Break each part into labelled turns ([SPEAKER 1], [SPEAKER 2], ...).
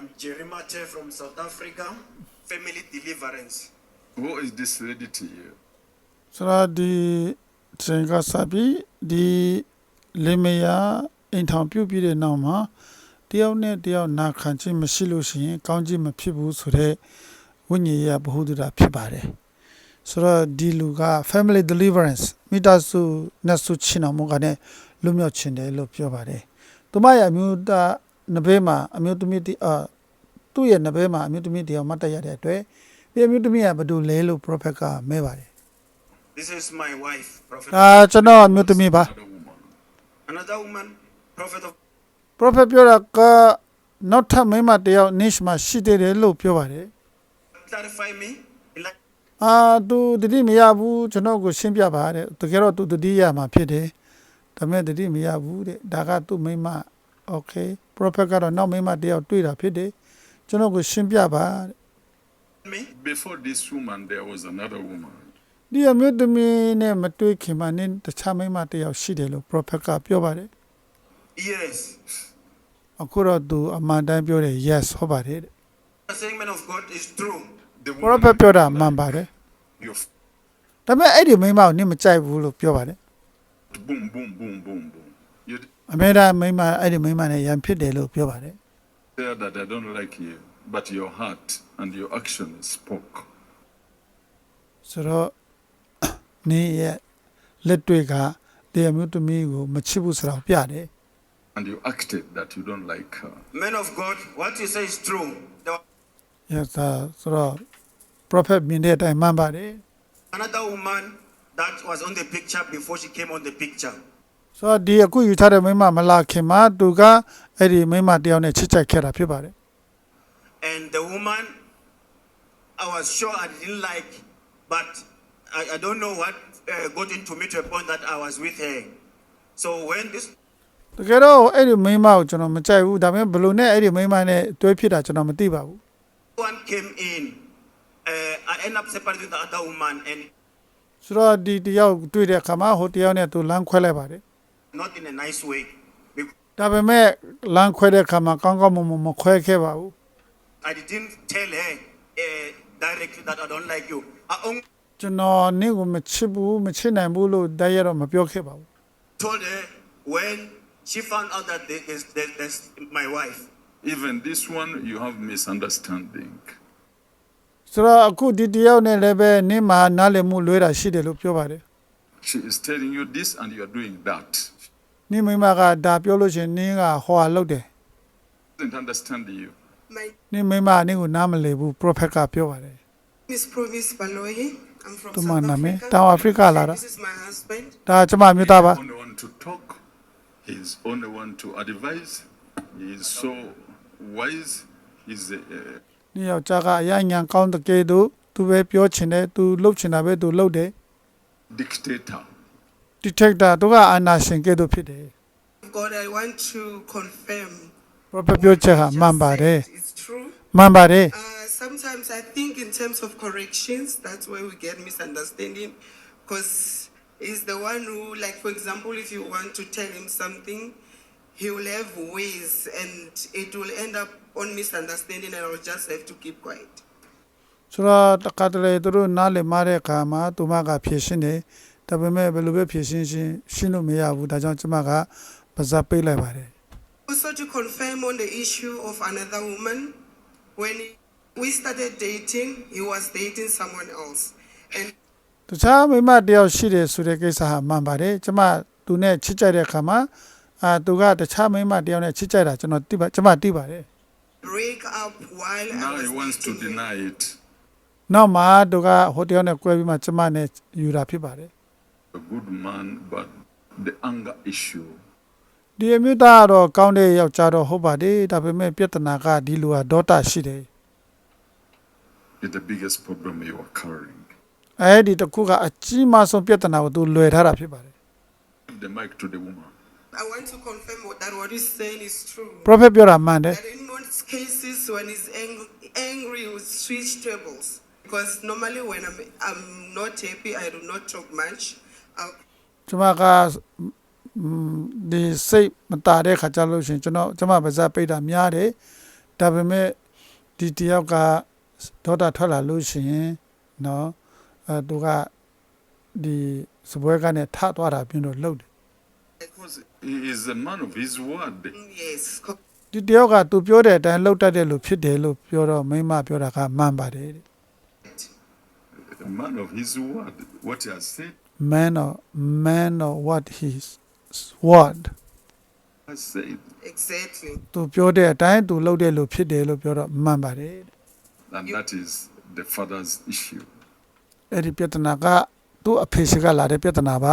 [SPEAKER 1] I'm Jerry Mate from South Africa, Family Deliverance.
[SPEAKER 2] Who is this lady to you?
[SPEAKER 3] ဆိုတော့ဒီချိန်ကစပြီးဒီလင်မယားအိမ်ထောင်ပြုတ်ပြီးတဲ့နောက်မှာတယောက်နဲ့တယောက်နာခံခြင်းမရှိလို့ရှိရင်ကောင်းခြင်းမဖြစ်ဘူးဆိုတဲ့ဝိညာဉ်ရေးဗဟုသုတဖြစ်ပါတယ်ဆိုတော့ဒီလူက family deliverance မိသားစုနဲ့ဆုချင်အောင်မကနေလွတ်မြောက်ခြင်းတယ်လို့ပြောပါတယ်သူမရဲ့အမျိုးသားနဘေးမှာအမျိုးသမီးသူ့ရဲ့နဘေးမှာအမျိုးသမီးတယောက်မတ်တရတဲ့အတွက်ဒီအမျိုးသမီးကဘယ်သူလဲလို့ prophet ကမဲပါတယ်
[SPEAKER 1] This is my wife, Prophet.
[SPEAKER 3] ကျွန်တော်အမျိုးသမီးပါ
[SPEAKER 1] Another woman, Prophet of
[SPEAKER 3] prophet ပြောတာကနောက်ထပ်မိန်းမတယောက် niche မှာရှိသေးတယ်လို့ပြောပါတယ်
[SPEAKER 1] clarify me. Like
[SPEAKER 3] သူတတိမရဘူးကျွန်တော်ကိုရှင်းပြပါတဲ့တကယ်တော့သူတတိရမှာဖြစ်တယ်ဒါပေမဲ့တတိမရဘူးတဲ့ဒါကသူ့မိန်းမ okay prophet ကတော့နောက်မိန်းမတယောက်တွေ့တာဖြစ်တယ်ကျွန်တော်ကိုရှင်းပြပါတဲ့
[SPEAKER 1] me.
[SPEAKER 2] Before this woman, there was another woman.
[SPEAKER 3] ဒီအမျိုးသမီးနဲ့မတွေ့ခင်မှာနင်းတခြားမိန်းမတယောက်ရှိတယ်လို့ prophet ကပြောပါတယ်
[SPEAKER 1] Yes.
[SPEAKER 3] အခုတော့သူအမှန်တမ်းပြောတယ် yes ဟုတ်ပါတယ်တဲ့
[SPEAKER 1] The saying man of God is true.
[SPEAKER 2] The
[SPEAKER 3] prophet ပြောတာမှန်ပါတယ်
[SPEAKER 2] you
[SPEAKER 3] ဒါပေမဲ့အဲ့ဒီမိန်းမကိုနင်းမကြိုက်ဘူးလို့ပြောပါတယ်
[SPEAKER 2] boom, boom, boom, boom, boom. You
[SPEAKER 3] အမေဒါမိန်းမအဲ့ဒီမိန်းမနဲ့ရန်ဖြစ်တယ်လို့ပြောပါတယ်
[SPEAKER 2] say that I don't like you, but your heart and your action spoke.
[SPEAKER 3] ဆိုတော့နင်းရဲ့လက်တွေကဒီအမျိုးသမီးကိုမချစ်ဘူးဆိုတာကိုပြတယ်
[SPEAKER 2] And you acted that you don't like her.
[SPEAKER 1] Man of God, what you say is true. There was
[SPEAKER 3] yes ဆိုတော့ prophet မြင်တဲ့အတိုင်းမှန်ပါတယ်
[SPEAKER 1] another woman that was on the picture before she came on the picture.
[SPEAKER 3] ဆိုတော့ဒီအခုယူထားတဲ့မိန်းမမလာခင်မှာသူကအဲ့ဒီမိန်းမတယောက်နဲ့ချစ်ကြိုက်ခဲ့တာဖြစ်ပါတယ်
[SPEAKER 1] And the woman, I was sure I didn't like, but I don't know what got into me to a point that I was with her. So when this
[SPEAKER 3] တကယ်တော့အဲ့ဒီမိန်းမကိုကျွန်တော်မကြိုက်ဘူးဒါပေမဲ့ဘယ်လိုနဲ့အဲ့ဒီမိန်းမနဲ့တွဲဖြစ်တာကျွန်တော်မသိပါဘူး
[SPEAKER 1] one came in, I ended up separating the other woman and
[SPEAKER 3] ဆိုတော့ဒီတယောက်တွေ့တဲ့အခါမှာဟိုတယောက်နဲ့သူလမ်းခွဲလိုက်ပါတယ်
[SPEAKER 1] not in a nice way. Because
[SPEAKER 3] ဒါပေမဲ့လမ်းခွဲတဲ့အခါမှာကောင်းကောင်းမွန်မွန်မခွဲခဲ့ပါဘူး
[SPEAKER 1] I didn't tell her directly that I don't like you. I only
[SPEAKER 3] ကျွန်တော်နင့်ကိုမချစ်ဘူးမချစ်နိုင်ဘူးလို့တိုက်ရတော့မပြောခဲ့ပါဘူး
[SPEAKER 1] told her when she found out that there's my wife.
[SPEAKER 2] Even this one, you have misunderstanding.
[SPEAKER 3] ဆိုတော့အခုဒီတယောက်နဲ့လည်းပဲနင့်မှာနားလည်မှုလွဲတာရှိတယ်လို့ပြောပါတယ်
[SPEAKER 2] She is telling you this and you are doing that.
[SPEAKER 3] နင့်မိမကဒါပြောလို့ရှရင်နင်းကဟောဟာလုပ်တယ်
[SPEAKER 2] Doesn't understand you.
[SPEAKER 4] My
[SPEAKER 3] နင့်မိမနင့်ကိုနားမလည်ဘူး prophet ကပြောပါတယ်
[SPEAKER 4] name is Provis Baloyi. I'm from
[SPEAKER 3] Tu mana
[SPEAKER 4] South
[SPEAKER 3] me?
[SPEAKER 4] Africa.
[SPEAKER 3] Tao Africa la da.
[SPEAKER 4] This is my husband.
[SPEAKER 3] ဒါကျမမျိုးသားပါ
[SPEAKER 2] Only one to talk. He is only one to advise. He is so wise. He's a
[SPEAKER 3] နင့်ယောက်ျားကအရညာကောင်းတဲ့ကဲသူသူပဲပြောချင်တယ်သူလှုပ်ချင်တာပဲသူလှုပ်တယ်
[SPEAKER 2] dictator.
[SPEAKER 3] detector သူကအာနာရှင်ကဲသူဖြစ်တယ်
[SPEAKER 4] God, I want to confirm.
[SPEAKER 3] prophet ပြောချက်ဟာမှန်ပါတယ်
[SPEAKER 4] It's true.
[SPEAKER 3] မှန်ပါတယ်
[SPEAKER 4] Sometimes I think in terms of corrections, that's where we get misunderstanding. Because he's the one who, like, for example, if you want to tell him something, he will have ways and it will end up on misunderstanding and I'll just have to keep quiet.
[SPEAKER 3] ဆိုတော့တခါတလေသူတို့နားလည်မတဲ့အခါမှာသူမကဖြည့်ရှင်းတယ်ဒါပေမဲ့ဘယ်လိုပဲဖြည့်ရှင်းရှင်းလို့မရဘူးဒါကြောင့်ကျမကပါဇက်ပေးလိုက်ပါတယ်
[SPEAKER 4] Also to confirm on the issue of another woman, when we started dating, he was dating someone else. And
[SPEAKER 3] တခြားမိမတယောက်ရှိတယ်ဆိုတဲ့ကိစ္စဟာမှန်ပါတယ်ကျမသူနဲ့ချစ်ကြတဲ့အခါမှာသူကတခြားမိမတယောက်နဲ့ချစ်ကြတာကျွန်တော်သိပါကျမသိပါတယ်
[SPEAKER 4] break up while I
[SPEAKER 2] Now
[SPEAKER 4] was
[SPEAKER 2] he wants to
[SPEAKER 4] dating him.
[SPEAKER 2] deny it.
[SPEAKER 3] နောက်မှသူကဟိုတယောက်နဲ့꿰ပြီးမှကျမနဲ့ယူတာဖြစ်ပါတယ်
[SPEAKER 2] A good man, but the anger issue.
[SPEAKER 3] ဒီအမျိုးသားကတော့ကောင်းတဲ့ယောက်ျားတော့ဟုတ်ပါတယ်ဒါပေမဲ့ပြဿနာကဒီလူကဒေါသရှိတယ်
[SPEAKER 2] Is the biggest problem you are carrying.
[SPEAKER 3] အဲ့ဒီတစ်ခုကအကြီးမားဆုံးပြဿနာကိုသူလွယ်ထားတာဖြစ်ပါတယ်
[SPEAKER 2] Give the mic to the woman.
[SPEAKER 4] I want to confirm that what he's saying is true.
[SPEAKER 3] prophet ပြောတာမှန်တယ်
[SPEAKER 4] That in most cases, when he's angry, he will switch tables. Because normally when I'm not happy, I do not talk much.
[SPEAKER 3] ကျမကဒီစိတ်မတာတဲ့ခါကြလို့ရှင်ကျွန်မပါဇက်ပိတ်တာများတယ်ဒါပေမဲ့ဒီတယောက်ကဒေါတာထွက်လာလို့ရှိရင်နော်သူကဒီစပွဲကနေထသွားတာပြင်းတော့လှုပ်တယ်
[SPEAKER 2] Because he is a man of his word.
[SPEAKER 4] Yes.
[SPEAKER 3] ဒီတယောက်ကသူပြောတဲ့အတိုင်းလှုပ်တတ်တယ်လို့ဖြစ်တယ်လို့ပြောတော့မိမပြောတာကမှန်ပါတယ်တဲ့
[SPEAKER 2] A man of his word. What he has said,
[SPEAKER 3] man of what his word
[SPEAKER 2] has said.
[SPEAKER 4] Exactly.
[SPEAKER 3] သူပြောတဲ့အတိုင်းသူလှုပ်တယ်လို့ဖြစ်တယ်လို့ပြောတော့မှန်ပါတယ်တဲ့
[SPEAKER 2] And that is the father's issue.
[SPEAKER 3] အဲ့ဒီပြဿနာကသူ့အဖေရှိကလာတဲ့ပြဿနာပါ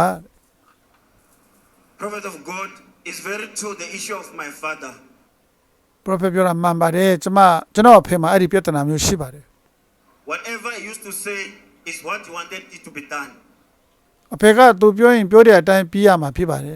[SPEAKER 1] Prophet of God is very true. The issue of my father.
[SPEAKER 3] prophet ပြောတာမှန်ပါတယ်ကျွန်တော်အဖေမှာအဲ့ဒီပြဿနာမျိုးရှိပါတယ်
[SPEAKER 1] Whatever he used to say is what he wanted it to be done.
[SPEAKER 3] အဖေကသူပြောရင်ပြောတဲ့အတိုင်းပြီးရမှာဖြစ်ပါတယ်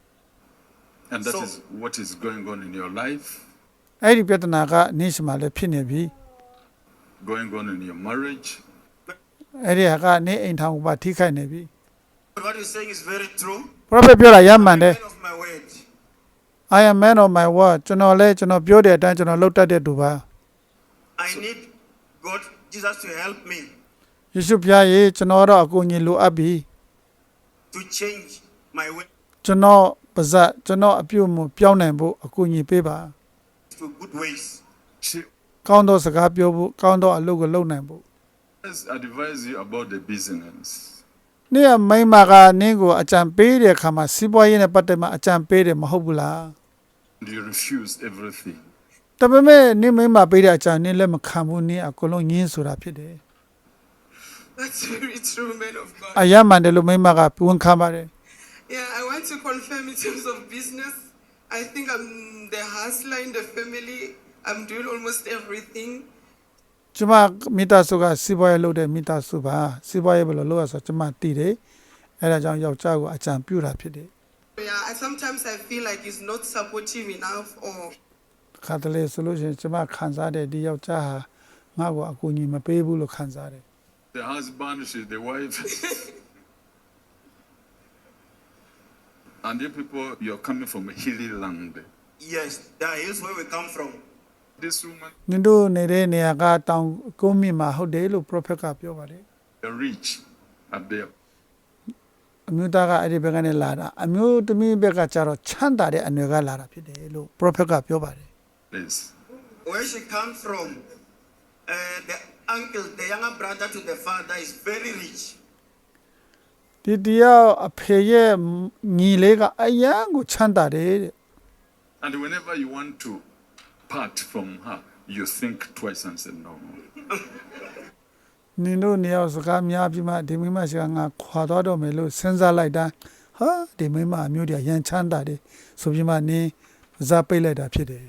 [SPEAKER 2] And that
[SPEAKER 1] So-
[SPEAKER 2] is what is going on in your life,
[SPEAKER 3] အဲ့ဒီပြဿနာကနေ့စမှာလည်းဖြစ်နေပြီ
[SPEAKER 2] going on in your marriage.
[SPEAKER 3] အဲ့ဒီဟာကနေ့အိမ်ထောင်ကထိခိုက်နေပြီ
[SPEAKER 1] But what he's saying is very true.
[SPEAKER 3] prophet ပြောတာရမှန်တယ်
[SPEAKER 1] Man of my word.
[SPEAKER 3] I am man of my word ကျွန်တော်ပြောတဲ့အတိုင်းကျွန်တော်လုပ်တတ်တဲ့သူပါ
[SPEAKER 1] I need God, Jesus, to help me
[SPEAKER 3] ယေရှုဖျားရေကျွန်တော်တော့အကူအညီလိုအပ်ပြီ
[SPEAKER 1] to change my way
[SPEAKER 3] ကျွန်တော်ပါဇက်ကျွန်တော်အပြုတ်မှုပြောင်းနိုင်ဖို့အကူအညီပေးပါ
[SPEAKER 1] to good ways.
[SPEAKER 2] She
[SPEAKER 3] ကောင်းသောစကားပြောဖို့ကောင်းသောအလုပ်ကိုလုပ်နိုင်ဖို့
[SPEAKER 2] has advised you about the business.
[SPEAKER 3] နေ့ကမိန်းမကနင်းကိုအကြံပေးတဲ့အခါမှာစီးပွားရေးနဲ့ပတ်သက်မှအကြံပေးတယ်မဟုတ်ဘူးလား
[SPEAKER 2] And you refused everything.
[SPEAKER 3] ဒါပေမဲ့နင်းမိန်းမပေးတဲ့အကြံနင်းလည်းမခံဘူးနင်းအကုန်လုံးညင်းဆိုတာဖြစ်တယ်
[SPEAKER 4] That's very true, man of God.
[SPEAKER 3] အယမ်းမှန်တယ်လို့မိန်းမကဝန်ခံပါတယ်
[SPEAKER 4] Yeah, I want to confirm in terms of business. I think I'm the hustler in the family. I'm doing almost everything.
[SPEAKER 3] ကျမမိသားစုကစီးပွားရေးလုပ်တဲ့မိသားစုပါစီးပွားရေးဘယ်လိုလုပ်ရဆိုကျမသိတယ်အဲဒါကြောင့်ယောက်ျားကိုအကြံပြုတာဖြစ်တယ်
[SPEAKER 4] Yeah, sometimes I feel like he's not supportive enough or
[SPEAKER 3] ခါတလေဆိုလို့ရှိရင်ကျမခံစားတဲ့ဒီယောက်ျားဟာငါ့ကိုအကူအညီမပေးဘူးလို့ခံစားတယ်
[SPEAKER 2] The husband, she's the wife. And you people, you're coming from a hilly land.
[SPEAKER 1] Yes, that is where we come from.
[SPEAKER 2] This woman,
[SPEAKER 3] နင်တို့နေတဲ့နေရာကတောင်ကုန်းမြင့်မှာဟုတ်တယ်လို့ prophet ကပြောပါတယ်
[SPEAKER 2] they're rich at their
[SPEAKER 3] အမျိုးသားကအဲ့ဒီဘက်ကနေလာတာအမျိုးသမီးဘက်ကကျတော့ချမ်းသာတဲ့အနွယ်ကလာတာဖြစ်တယ်လို့ prophet ကပြောပါတယ်
[SPEAKER 2] place.
[SPEAKER 1] Where she comes from, the uncle, the younger brother to the father, is very rich.
[SPEAKER 3] ဒီတရားအဖေရဲ့ညီလေးကအယံကိုချမ်းသာတယ်တဲ့
[SPEAKER 2] And whenever you want to part from her, you think twice and say no.
[SPEAKER 3] နင်တို့နေရာစကားများပြီးမှဒီမိမရှိကငါခွာသွားတော့မယ်လို့စဉ်းစားလိုက်တာဟာဒီမိမအမျိုးတည်းရန်ချမ်းသာတယ်ဆိုပြီးမှနင်းဇာပိတ်လိုက်တာဖြစ်တယ်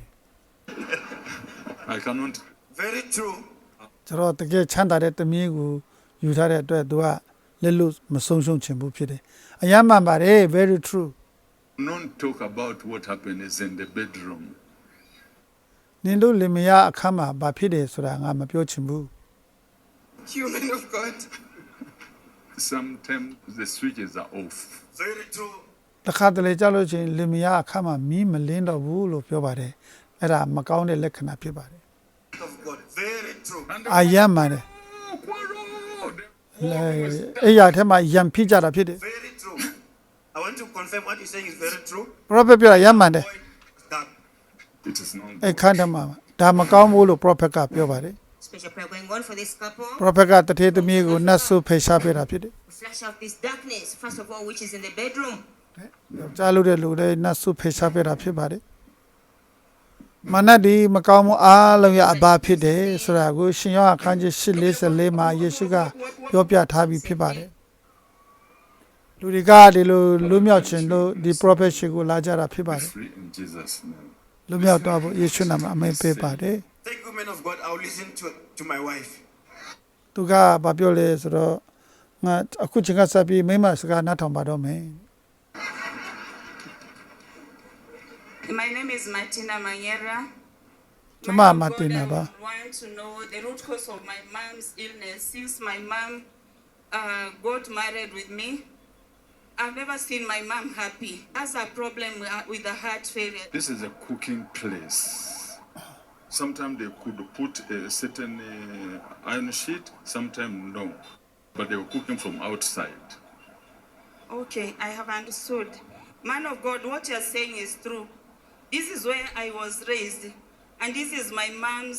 [SPEAKER 2] I cannot.
[SPEAKER 1] Very true.
[SPEAKER 3] ကျွန်တော်တကယ်ချမ်းသာတဲ့တမီးကိုယူထားတဲ့အတွက်သူကလက်လို့မဆုံးရှုံးချင်ဘူးဖြစ်တယ်အယမ်းမှန်ပါတယ် very true
[SPEAKER 2] Don't talk about what happens in the bedroom.
[SPEAKER 3] နင်တို့လင်မယားအခန်းမှာဘာဖြစ်တယ်ဆိုတာငါမပြောချင်ဘူး
[SPEAKER 4] human of God.
[SPEAKER 2] Sometimes the switches are off.
[SPEAKER 1] Very true.
[SPEAKER 3] တခါတလေကြောက်လို့ချင်းလင်မယားအခန်းမှာမီးမလင်းတော့ဘူးလို့ပြောပါတယ်အဲ့ဒါမကောင်းတဲ့လက္ခဏာဖြစ်ပါတယ်
[SPEAKER 1] Of God. Very true.
[SPEAKER 2] And
[SPEAKER 3] အယမ်းမှန်တယ်
[SPEAKER 2] the
[SPEAKER 3] အဲ့ရထဲမှာယံဖြစ်ကြတာဖြစ်တယ်
[SPEAKER 1] Very true. I want to confirm what you're saying is very true.
[SPEAKER 3] prophet ပြောတာယမ်းမှန်တယ်
[SPEAKER 1] That
[SPEAKER 2] it is not.
[SPEAKER 3] အဲ့ခန်းထဲမှာဒါမကောင်းဘူးလို့ prophet ကပြောပါတယ်
[SPEAKER 5] Special prayer going on for this couple.
[SPEAKER 3] prophet ကတထေသမီးကိုနတ်ဆုဖေရှားပေးတာဖြစ်တယ်
[SPEAKER 5] Flash out this darkness, first of all, which is in the bedroom.
[SPEAKER 3] ကြားလို့တဲ့လူတွေနတ်ဆုဖေရှားပေးတာဖြစ်ပါတယ်မနတ်ဒီမကောင်းမှုအားလုံးရဲ့အဘာဖြစ်တယ်ဆိုတာကိုရှင်ယောဟန်ခန်းကြီး8:44မှာယေရှုကပြောပြထားပြီးဖြစ်ပါတယ်လူတွေကဒီလိုလွတ်မြောက်ခြင်းလို့ဒီ prophet ရှိကိုလာကြတာဖြစ်ပါတယ်
[SPEAKER 2] Free in Jesus' name.
[SPEAKER 3] လွတ်မြောက်တော့ဖို့ယေရှုနာမအမိန့်ပေးပါတယ်
[SPEAKER 1] thank you, man of God. I'll listen to my wife.
[SPEAKER 3] သူကဘာပြောလဲဆိုတော့ငါအခုချိန်ကစပြီးမိမစကားနားထောင်ပါတော့မယ်
[SPEAKER 6] My name is Martina Manyera.
[SPEAKER 3] Chama
[SPEAKER 6] Man of God,
[SPEAKER 3] Martina
[SPEAKER 6] I
[SPEAKER 3] ba?
[SPEAKER 6] want to know the root cause of my mom's illness. Since my mom got married with me, I've never seen my mom happy. Has a problem with the heart failure.
[SPEAKER 2] This is a cooking place. Sometimes they could put a certain iron sheet, sometimes no. But they were cooking from outside.
[SPEAKER 6] Okay, I have understood. Man of God, what you're saying is true. This is where I was raised, and this is my mom's.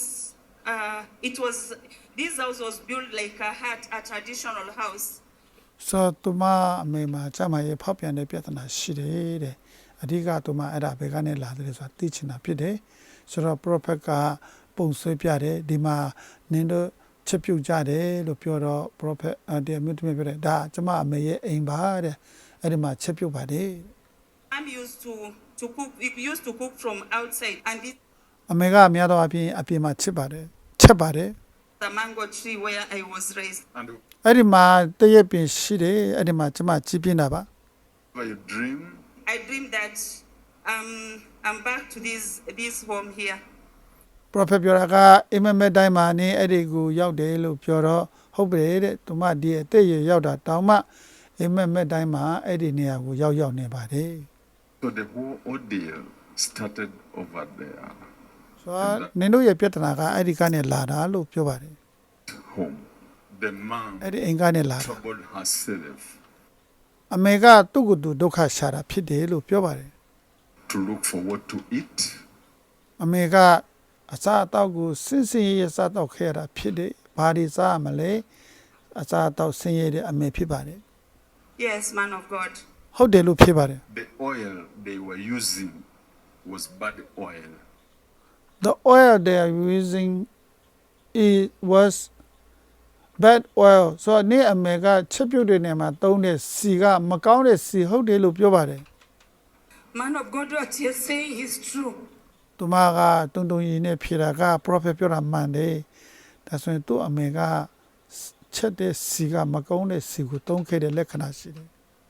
[SPEAKER 6] This house was built like a hut, a traditional house.
[SPEAKER 3] ဆိုတော့သူမအမေမှာကျမရဲ့ဖောက်ပြန်တဲ့ပြဿနာရှိတယ်တဲ့အဓိကသူမအဲ့ဒါဘယ်ကနေလာတယ်ဆိုတာသိချင်တာဖြစ်တယ်ဆိုတော့ prophet ကပုံဆွဲပြတယ်ဒီမှာနင်တို့ချက်ပြုတ်ကြတယ်လို့ပြောတော့ prophet တရားမြတ်ပြောတယ်ဒါကျမအမေရဲ့အိမ်ပါတဲ့အဲ့ဒီမှာချက်ပြုတ်ပါတယ်
[SPEAKER 6] I'm used to cook. We used to cook from outside, and this
[SPEAKER 3] အမေကအများသောအားဖြင့်အပြင်မှာချက်ပါတယ်
[SPEAKER 6] is the mango tree where I was raised.
[SPEAKER 2] And
[SPEAKER 3] အဲ့ဒီမှာတရက်ပင်ရှိတယ်အဲ့ဒီမှာကျမကြည့်ပြနေတာပါ
[SPEAKER 2] whenever you dream,
[SPEAKER 6] I dreamed that I'm back to this home here.
[SPEAKER 3] prophet ပြောတာကအိမ်မက်မဲ့တိုင်းမှာနေအဲ့ဒီကိုရောက်တယ်လို့ပြောတော့ဟုတ်ပြီတဲ့သူမဒီအသက်ရရောက်တာတောင်မှအိမ်မက်မဲ့တိုင်းမှာအဲ့ဒီနေရာကိုရောက်နေပါတယ်
[SPEAKER 2] so the whole ordeal started over there,
[SPEAKER 3] ဆိုတော့နင်တို့ရဲ့ပြဿနာကအဲ့ဒီကနေလာတာလို့ပြောပါတယ်
[SPEAKER 2] home. The mom
[SPEAKER 3] အဲ့ဒီအိမ်ကနေလာတာ
[SPEAKER 2] troubled herself
[SPEAKER 3] အမေကသူ့ကိုယ်သူဒုက္ခရှာတာဖြစ်တယ်လို့ပြောပါတယ်
[SPEAKER 2] to look for what to eat.
[SPEAKER 3] အမေကအစားအသောက်ကိုစင်စင်ရရစားတော့ခဲ့ရတာဖြစ်တယ်ဘာဒီစားမလဲအစားအသောက်ဆင်းရဲတဲ့အမေဖြစ်ပါတယ်
[SPEAKER 6] Yes, man of God.
[SPEAKER 3] ဟုတ်တယ်လို့ဖြစ်ပါတယ်
[SPEAKER 2] The oil they were using was bad oil.
[SPEAKER 3] The oil they are using was bad oil ဆိုတော့နေ့အမေကချက်ပြုတ်တဲ့နေရာမှာသုံးတဲ့စီကမကောင်းတဲ့စီဟုတ်တယ်လို့ပြောပါတယ်
[SPEAKER 6] Man of God, what you're saying is true.
[SPEAKER 3] သူမကတုံတုံရည်နဲ့ဖြေတာက prophet ပြောတာမှန်တယ်ဒါဆိုရင်သူ့အမေကချက်တဲ့စီကမကောင်းတဲ့စီကိုသုံးခဲ့တဲ့လက္ခဏာရှိတယ်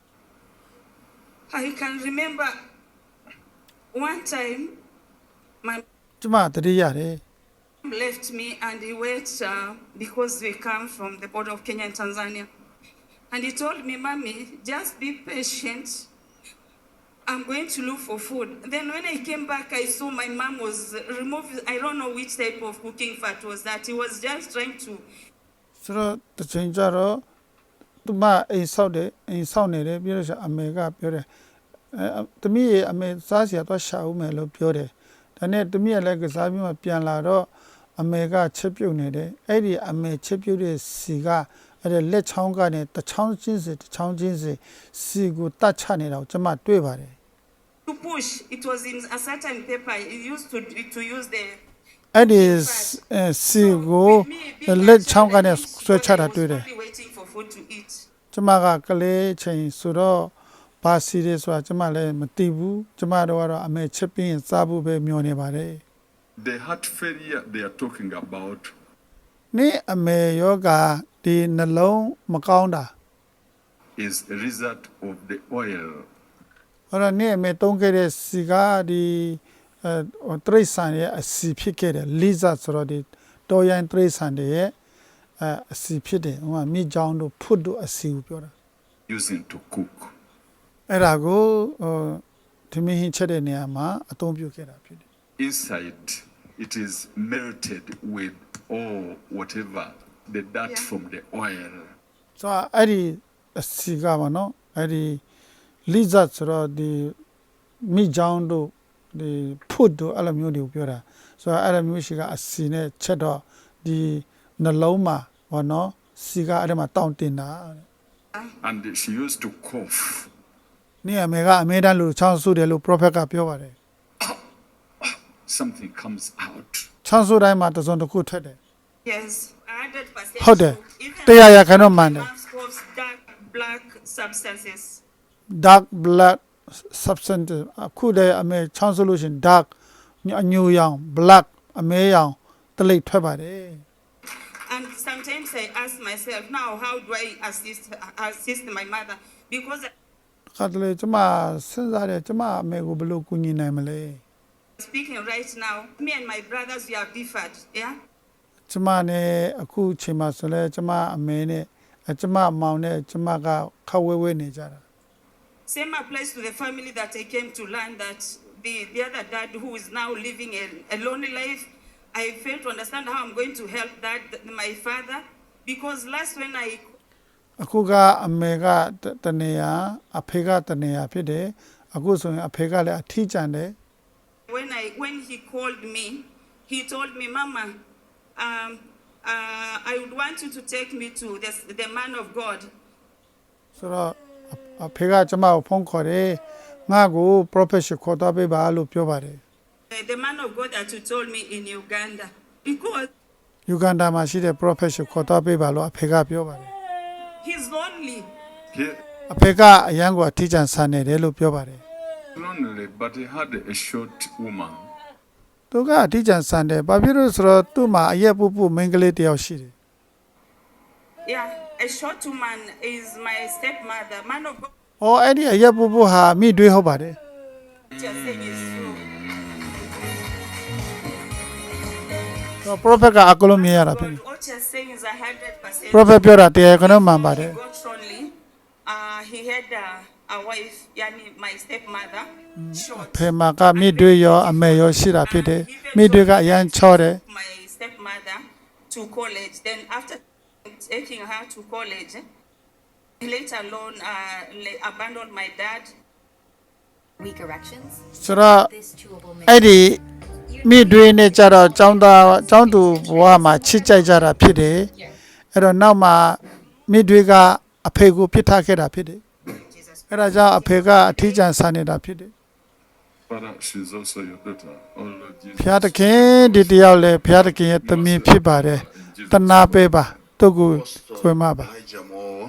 [SPEAKER 6] I can remember one time my
[SPEAKER 3] ကျမတတိရတယ်
[SPEAKER 6] mom left me and he went because we come from the border of Kenya and Tanzania. And he told me, Mommy, just be patient. I'm going to look for food. Then when I came back, I saw my mom was removing, I don't know which type of cooking fat was that. He was just trying to
[SPEAKER 3] ဆိုတော့တချိန်ကျတော့သူမအိမ်ဆောက်နေတယ်ပြီးတော့အမေကပြောတယ်သမီးရဲ့အမေစားစရာတော့ရှာဦးမယ်လို့ပြောတယ်ဒါနဲ့သမီးရဲ့လည်းကစားပြီးမှပြန်လာတော့အမေကချက်ပြုတ်နေတယ်အဲ့ဒီအမေချက်ပြုတ်တဲ့စီကအဲ့ဒီလက်ချောင်းကနေတစ်ချောင်းချင်းစီကိုတတ်ချနေတာကိုကျွန်မတွေ့ပါတယ်
[SPEAKER 6] push. It was in a certain paper. He used to use the
[SPEAKER 3] အဲ့ဒီစီကိုလက်ချောင်းကနေဆွဲချတာတွေ့တယ်
[SPEAKER 6] waiting for food to eat.
[SPEAKER 3] ကျမကကလေးချိန်ဆိုတော့ဘာစီရဲဆိုတာကျမလည်းမသိဘူးကျမတို့ကတော့အမေချက်ပြီးရင်စားဖို့ပဲမျှော်နေပါတယ်
[SPEAKER 2] The heart failure they are talking about
[SPEAKER 3] နေ့အမေယောဂဒီနှလုံးမကောင်းတာ
[SPEAKER 2] is a result of the oil.
[SPEAKER 3] ဟောနေ့အမေသုံးခဲ့တဲ့စီကဒီတရိษံရဲ့အစီဖြစ်ခဲ့တယ်လိဇတ်ဆိုတော့ဒီတော်ရိုင်းတရိษံတွေရဲ့အစီဖြစ်တယ်ဟိုမှာမိကြောင်းတို့ဖွတ်တို့အစီကိုပြောတာ
[SPEAKER 2] Using to cook.
[SPEAKER 3] အဲ့ဒါကိုဒီမင်းချက်တဲ့နေရာမှာအသုံးပြုခဲ့တာဖြစ်တယ်
[SPEAKER 2] Inside, it is melted with all whatever the dirt from the oil.
[SPEAKER 3] ဆိုတော့အဲ့ဒီအစီကပါနော်အဲ့ဒီလိဇတ်ဆိုတော့ဒီမိကြောင်းတို့ဒီဖွတ်တို့အဲ့လိုမျိုးတွေကိုပြောတာဆိုတော့အဲ့လိုမျိုးရှိကအစီနဲ့ချက်တော့ဒီနှလုံးမှာဘောနော်စီကအဲ့ဒါမှာတောင့်တင်တာ
[SPEAKER 2] And she used to cough.
[SPEAKER 3] နေ့အမေကအမေတန်းလို့ချောင်းဆူတယ်လို့ prophet ကပြောပါတယ်
[SPEAKER 2] Something comes out.
[SPEAKER 3] ချောင်းဆူတိုင်းမှာတစ်စုံတစ်ခုထွက်တယ်
[SPEAKER 6] Yes, 100%.
[SPEAKER 3] ဟုတ်တယ်
[SPEAKER 6] Even
[SPEAKER 3] တရားရခိုင်တော့မှန်တယ်
[SPEAKER 6] mom's coughs, dark black substances.
[SPEAKER 3] dark blood substance အခုတည်းအမေချောင်းဆူလို့ရှင် dark အညူရောင် black အမဲရောင်တလိပ်ထွက်ပါတယ်
[SPEAKER 6] And sometimes I ask myself, now how do I assist my mother? Because
[SPEAKER 3] ခါတလေကျမစဉ်းစားတယ်ကျမအမေကိုဘယ်လိုကူညီနိုင်မလဲ
[SPEAKER 6] speaking right now, me and my brothers, we have differed, yeah?
[SPEAKER 3] ကျမနဲ့အခုချိန်မှာဆိုလဲကျမအမေနဲ့ကျမအမောင်နဲ့ကျမကခက်ဝဲဝဲနေကြတာ
[SPEAKER 6] Same applies to the family that I came to learn that the other dad who is now living a lonely life, I fail to understand how I'm going to help my father because last when I
[SPEAKER 3] အခုကအမေကတနေရအဖေကတနေရဖြစ်တယ်အခုဆိုရင်အဖေကလည်းအထီးကျန်တယ်
[SPEAKER 6] when he called me, he told me, Mama, I would want you to take me to the man of God.
[SPEAKER 3] ဆိုတော့အဖေကကျမကိုဖုန်းခေါ်တယ်ငါ့ကို professional ခေါ်သွားပေးပါလို့ပြောပါတယ်
[SPEAKER 6] The man of God that you told me in Uganda because
[SPEAKER 3] ယူဂန္ဒာမှာရှိတဲ့ professional ခေါ်သွားပေးပါလို့အဖေကပြောပါတယ်
[SPEAKER 6] he's lonely.
[SPEAKER 2] He
[SPEAKER 3] အဖေကအရန်ကိုအထီးကျန်ဆန်နေတယ်လို့ပြောပါတယ်
[SPEAKER 2] lonely, but he had a short woman.
[SPEAKER 3] သူကအထီးကျန်ဆန်တယ်ဘာဖြစ်လို့ဆိုတော့သူ့မှာအရက်ပူပူမိန်းကလေးတစ်ယောက်ရှိတယ်
[SPEAKER 6] Yeah, a short woman is my stepmother. Man of God
[SPEAKER 3] ။အော်အဲ့ဒီအရက်ပူပူဟာမိတွေးဟုတ်ပါတယ်
[SPEAKER 6] just saying is true.
[SPEAKER 3] ။ဆိုတော့ prophet ကအကလုံးမြင်ရတာဖြစ်တယ်
[SPEAKER 6] What you're saying is 100%.
[SPEAKER 3] ။ prophet ပြောတာတရားကနမှန်ပါတယ်
[SPEAKER 6] He got lonely. He had a wife, yani my stepmother, short.
[SPEAKER 3] ။ဖေမာကမိတွေးရောအမေရောရှိတာဖြစ်တယ်။မိတွေကအရန်ချောတယ်
[SPEAKER 6] My stepmother to college. Then after taking her to college, he later alone abandoned my dad.
[SPEAKER 7] Weak erections.
[SPEAKER 3] ။ဆိုတော့
[SPEAKER 7] This chewable
[SPEAKER 3] အဲ့ဒီမိတွေနဲ့ကြတော့ចောင်းသူဘဝမှာချစ်ကြိုက်ကြတာဖြစ်တယ်။အဲ့တော့နောက်မှာမိတွေကအဖေကိုပြစ်ထားခဲ့တာဖြစ်တယ်။အဲ့ဒါကြောင့်အဖေကအထီးကျန်ဆန်နေတာဖြစ်တယ်
[SPEAKER 2] Father, she's also your daughter. Oh Lord Jesus.
[SPEAKER 3] ဖျားသခင်ဒီတယောက်လည်းဖျားသခင်ရဲ့သမီးဖြစ်ပါတယ်တနာပေးပါသူ့ကိုခွင့်မပါ
[SPEAKER 8] Elijah Moore.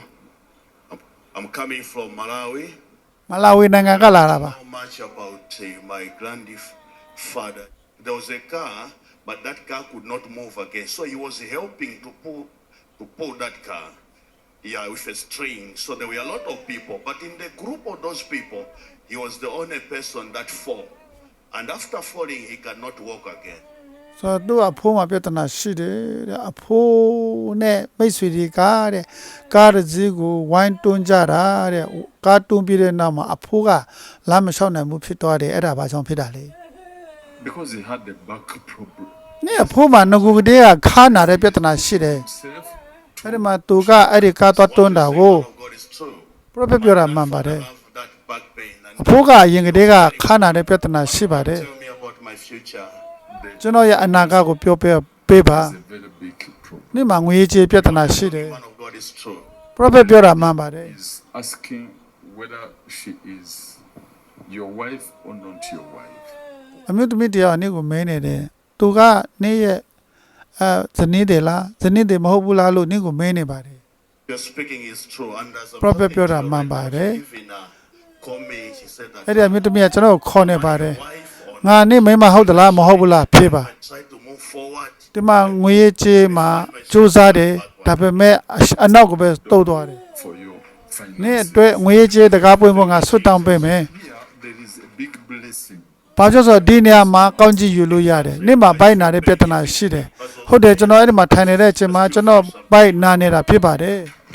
[SPEAKER 8] I'm coming from Malawi.
[SPEAKER 3] မလာဝီနိုင်ငံကလာတာပါ
[SPEAKER 8] How much about my grandfather? There was a car, but that car could not move again. So he was helping to pull that car. Yeah, with a string. So there were a lot of people. But in the group of those people, he was the only person that fell. And after falling, he cannot walk again.
[SPEAKER 3] ဆိုတော့သူ့အဖိုးမှာပြဿနာရှိတယ်တဲ့အဖိုးနဲ့မိတ်ဆွေတွေကတဲ့ကားတစ်စီးကိုဝိုင်းတွန်းကြတာတဲ့ကားတွန်းပြီးတဲ့နောက်မှာအဖိုးကလမ်းမလျှောက်နိုင်ဘူးဖြစ်သွားတယ်အဲ့ဒါဘာကြောင့်ဖြစ်တာလဲ
[SPEAKER 2] Because he had a back problem.
[SPEAKER 3] နေ့အဖိုးမှာငကူကတည်းကခါနာတဲ့ပြဿနာရှိတယ်
[SPEAKER 2] Himself,
[SPEAKER 3] အဲ့ဒီမှာသူကအဲ့ဒီကားသွားတွန်းတာကို
[SPEAKER 8] The word of God is true.
[SPEAKER 3] prophet ပြောတာမှန်ပါတယ်
[SPEAKER 8] I have that back pain. And
[SPEAKER 3] အဖိုးကအရင်ကတည်းကခါနာတဲ့ပြဿနာရှိပါတယ်
[SPEAKER 8] tell me about my future.
[SPEAKER 3] ကျွန်တော်ရဲ့အနာဂတ်ကိုပြောပေးပါ
[SPEAKER 2] it's a very big problem.
[SPEAKER 3] နေ့မှာငွေကြေးပြဿနာရှိတယ်
[SPEAKER 8] The man of God is true.
[SPEAKER 3] prophet ပြောတာမှန်ပါတယ်
[SPEAKER 2] He's asking whether she is your wife or not your wife.
[SPEAKER 3] အမျိုးသမီးတရားနေ့ကိုမဲနေတယ်သူကနေ့ရဲ့ဇနီးတယ်လားဇနီးတယ်မဟုတ်ဘူးလားလို့နေ့ကိုမဲနေပါတယ်
[SPEAKER 8] Your speaking is true. And as a
[SPEAKER 3] Prophet
[SPEAKER 8] mother,
[SPEAKER 3] ပြောတာ
[SPEAKER 8] she
[SPEAKER 3] မှန်ပါတယ်
[SPEAKER 8] even called me. She said that
[SPEAKER 3] အဲ့ဒီအမျိုးသမီးကကျွန်တော်ကိုခေါ်နေပါတယ်
[SPEAKER 8] wife or
[SPEAKER 3] ငါနေ့မိန်းမဟုတ်သလားမဟုတ်ဘူးလားဖြေပါ
[SPEAKER 8] I try to move forward.
[SPEAKER 3] ဒီမှာငွေကြေးမှာစူးစမ်းတယ်ဒါပေမဲ့အနောက်ကပဲတုတ်သွားတယ်
[SPEAKER 2] For your
[SPEAKER 3] နေ့
[SPEAKER 2] finances.
[SPEAKER 3] အတွက်ငွေကြေးတကားပွင့်ဖို့ငါဆွတ်တောင်းပေးမယ်
[SPEAKER 2] Here, there is a big blessing.
[SPEAKER 3] ဘာကြောင့်ဆိုတော့ဒီနေရာမှာကောင်းကြီးယူလို့ရတယ်နေ့မှာဘိုက်နာတဲ့ပြဿနာရှိတယ်ဟုတ်တယ်ကျွန်တော်အဲ့ဒီမှာထိုင်နေတဲ့အချိန်မှာကျွန်တော်ဘိုက်နာနေတာဖြစ်ပါတယ်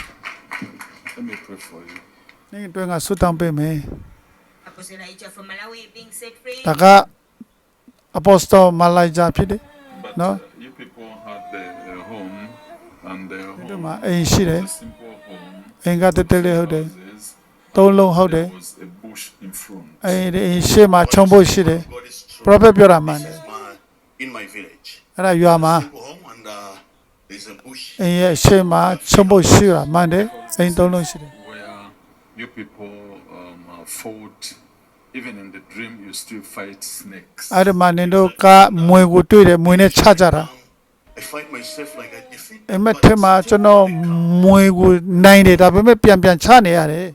[SPEAKER 2] Let me pray for you.
[SPEAKER 3] နေ့အတွင်းကဆွတ်တောင်းပေးမယ်
[SPEAKER 5] Apostle Elijah from Malawi being set free.
[SPEAKER 3] ဒါကအပိုစတိုမလိုက်ဂျာဖြစ်တယ်
[SPEAKER 2] But
[SPEAKER 3] No.
[SPEAKER 2] You people had a home, and the
[SPEAKER 3] ဒီ
[SPEAKER 2] home
[SPEAKER 3] မှာအိမ်ရှိတယ်
[SPEAKER 2] was a simple home.
[SPEAKER 3] အိမ်ကတက်တက်လေးဟုတ်တယ်
[SPEAKER 2] Houses,
[SPEAKER 3] သုံးလုံးဟုတ်တယ်
[SPEAKER 2] there was a bush in front.
[SPEAKER 3] အိမ်ဒီရှေ့မှာခြုံဖို့ရှိတယ်
[SPEAKER 8] God is true.
[SPEAKER 3] prophet ပြောတာမှန်တယ်
[SPEAKER 8] This is in my village.
[SPEAKER 3] အဲ့ဒါရွာမှာ
[SPEAKER 8] Go home and there's a bush.
[SPEAKER 3] အိမ်ရဲ့ရှေ့မှာခြုံဖို့ရှိတာမှန်တယ်အိမ်သုံးလုံးရှိတယ်
[SPEAKER 2] Where you people fought, even in the dream, you still fight snakes.
[SPEAKER 3] အဲ့ဒီမှာနင်တို့ကမွေကိုတွေ့တယ်မွေနဲ့ချကြတာ
[SPEAKER 8] I find myself like I defeat
[SPEAKER 3] အိမ်
[SPEAKER 8] them,
[SPEAKER 3] မက်
[SPEAKER 8] but
[SPEAKER 3] ထဲမှာကျွန်တော်မွေကိုနိုင်တယ်ဒါပေမဲ့ပြန်ချနေရတယ်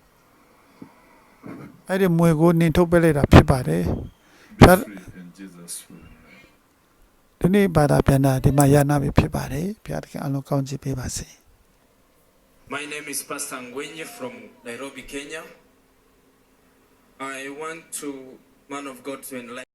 [SPEAKER 3] အဲ့ဒီမွေကိုနင်ထုတ်ပေးလိုက်တာဖြစ်ပါတယ်
[SPEAKER 2] Be free in Jesus' name.
[SPEAKER 3] ဒီနေ့ဘာသာပြန်တာဒီမှာရနာပြီဖြစ်ပါတယ်ဘုရားသခင်အလုံးကောင်းချီးပေးပါစေ
[SPEAKER 9] My name is Pastor Ngwenye from Nairobi, Kenya. I want to, man of God, to enlighten